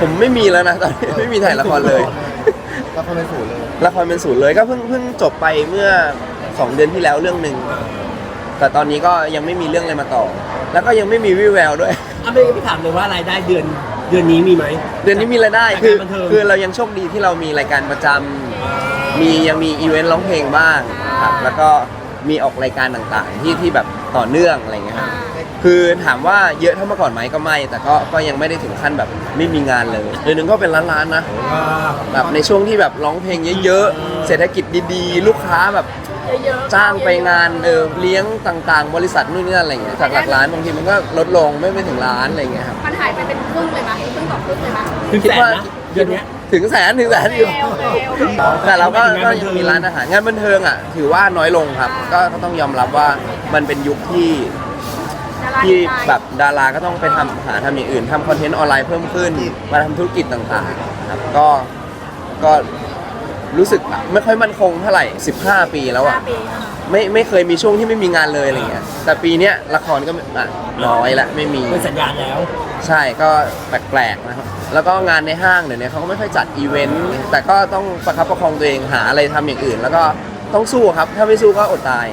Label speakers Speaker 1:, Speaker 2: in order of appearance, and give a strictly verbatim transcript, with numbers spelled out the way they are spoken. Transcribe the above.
Speaker 1: ผมไม่มีแล้วนะตอนนี้ไม่มีถ่ายละครเลย
Speaker 2: ละครเป็นศูนย์เลย
Speaker 1: ละครเป็นศูนย์เลยก็เพิ่งเพิ่งจบไปเมื่อสองเดือนที่แล้วเรื่องหนึ่งแต่ตอนนี้ก็ยังไม่มีเรื่องอะไรมาต่อแล้วก็ยังไม่มีวี่แววด้วย
Speaker 3: อ่ะไม่พี่ถามเลยว่ารายได้เดือนเดือนนี้มีไหม
Speaker 1: เดือนนี้มีรายได้คือคือเรายังโชคดีที่เรามีรายการประจำมียังมีอีเวนต์ร้องเพลงบ้างครับแล้วก็มีออกรายการต่างๆที่ที่แบบต่อเนื่องอะไรเงี้ยครับคือถามว่าเยอะเท่าเมื่อก่อนไหมก็ไม่แต่ก็ก็ยังไม่ได้ถึงขั้นแบบไม่มีงานเลยเดือนหนึงก็เป็นล้านๆนะแบบในช่วงที่แบบร้องเพลงเยอะๆเศรษฐกิจดีๆ ลูกค้าแบบจ้างไปงานเออเลี้ยงต่างๆ บริษัทนู่นนี่นั่นอะไรเงี้ยจากหลักล้านบางทีมันก็ลดลงไม่ไม่ถึงล้านอะไรเงี้ยครับ
Speaker 4: มันหายไปเป็นครึ่งเลยไหมครึ่งต่อครึ่งเลยไหม
Speaker 3: ถึงแสนนะเดือนนี้
Speaker 1: ถึงแสนถึงแสนอยู่แต่เราก็ก็ยังมีร้านอาหารงานบันเทิงอ่ะถือว่าน้อยลงครับก็ก็ต้องยอมรับว่ามันเป็นยุคที่ที่แบบดาราก็ต้องไปทำหาทำอย่างอื่นทำคอนเทนต์ออนไลน์เพิ่มขึ้นมาทำธุรกิจต่างๆครับก็ก็รู้สึกไม่ค่อยมั่นคงเท่าไหร่สิบห้าปีแล้วอ่ะไม่ไม่เคยมีช่วงที่ไม่มีงานเลยอะไรเงี้ยแต่ปีเนี้ยละครก็น้อยละไม่มี
Speaker 3: เป็นสัญญาณแล้ว
Speaker 1: ใช่ก็แปลกๆนะครับแล้วก็งานในห้างเดี๋ยวนี้เขาก็ไม่ค่อยจัดอีเวนต์แต่ก็ต้องประคับประคองตัวเองหาอะไรทำอย่างอื่นแล้วก็ต้องสู้ครับถ้าไม่สู้ก็อดตาย